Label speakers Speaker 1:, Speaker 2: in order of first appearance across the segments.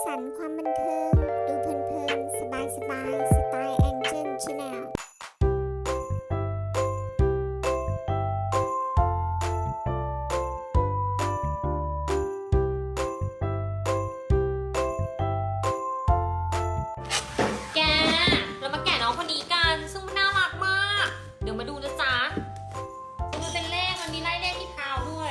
Speaker 1: สรรค์ความบันเทิง ดูเพลินๆ สบายๆ สไตล์แองเจิลชาแนล
Speaker 2: แก เรามาแกะน้องคนนี้กัน ซึ่งมันน่ารักมาก เดี๋ยวมาดูนะจ๊ะมันเป็นเลข มันมีไล่เลขที่เท้าด้วย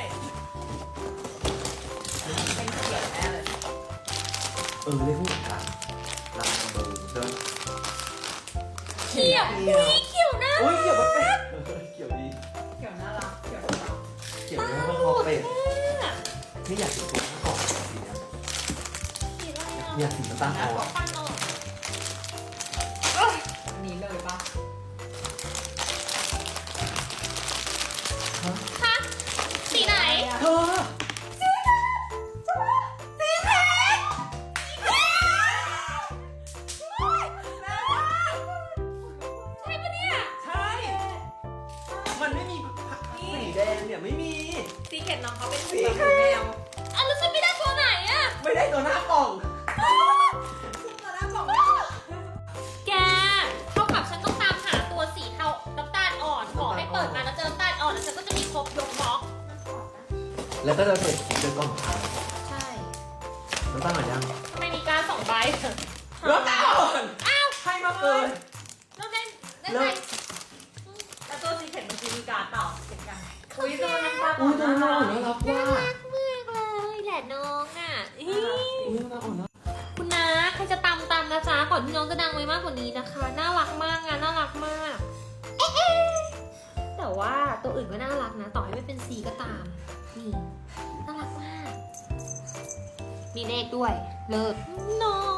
Speaker 2: เป็นเขียวแน่เลย
Speaker 3: เลขผู้หญิงค่ะลาเบอร์เดิน
Speaker 2: เขียวอุ้ยเขียวน่า
Speaker 3: โอ้
Speaker 2: รั
Speaker 3: ย
Speaker 2: ก
Speaker 3: เกี่ยวกับเป็ดเกี่ยวดี
Speaker 4: เขียวน่ารักเขียวน่ารัก
Speaker 3: เกี่ยวกับคอเป็ดไม่อยากติดตัวข้างก่อนสีเนี้ย
Speaker 2: สีอะไรอ่ะ
Speaker 3: อยากสีน้ำตาลอ่อน
Speaker 2: ปั้นออก
Speaker 4: อันนี้เลยปะ
Speaker 2: ฮะสีไหน
Speaker 3: เธอ
Speaker 2: ใช่ปะเนี่ย
Speaker 3: ใช่ มันไม่มีสีแดงเนี่ยไม่มี
Speaker 4: ซีเข็ดน้องเขาเป็น
Speaker 3: สี
Speaker 4: แบบ
Speaker 3: เข็ด
Speaker 4: แมว
Speaker 2: อ่ะแล้วฉันไม่ได้ตัวไหนอ่ะ
Speaker 3: ไม่ได้ตัวหน้ากล่อง
Speaker 4: ตอนแรกบอก
Speaker 2: แก เท่ากับฉันต้องตามหาตัวสีเทาน้ำตาลอ่อน ขอให้เปิดมาแล้วเจอน้ำตาลอ่อนแล้วฉันก็จะมีครบยกบล็อก
Speaker 3: แล้วก็จะเสร็จเจอกล่องขาว
Speaker 2: ใช่
Speaker 3: น้ำตาลหน่อยยัง
Speaker 2: ทำไมมีการ2 ใบ
Speaker 3: น้ำตาลอ่อน
Speaker 2: อ้าว
Speaker 3: ให้มาเกิน
Speaker 2: แล้วได้
Speaker 3: แล้ว
Speaker 2: ไง
Speaker 4: แล้วตัวซีเข็ดมันคือมีการเปล่าเข็ดกันอุ้ยตัวน้ำตาล
Speaker 3: อุ้ยตัวน้องน่ารัก
Speaker 2: น่า
Speaker 3: ว่า
Speaker 2: รักมากเลยแหละน้องอ่ะอี๋
Speaker 3: อุ้ยน่ารักอ่อนนะ
Speaker 2: คุณนะใครจะตามนะจ๊ะก่อนที่น้องจะดังไปมากกว่านี้นะคะ น่ารักมากอ่ะน่ารักมากเอ๊ะแต่ว่าตัวอื่นก็น่ารักนะ ต่อให้ไม่เป็นซีก็ตาม นี่น่ารักมาก มีเลขด้วย เลิศน้อง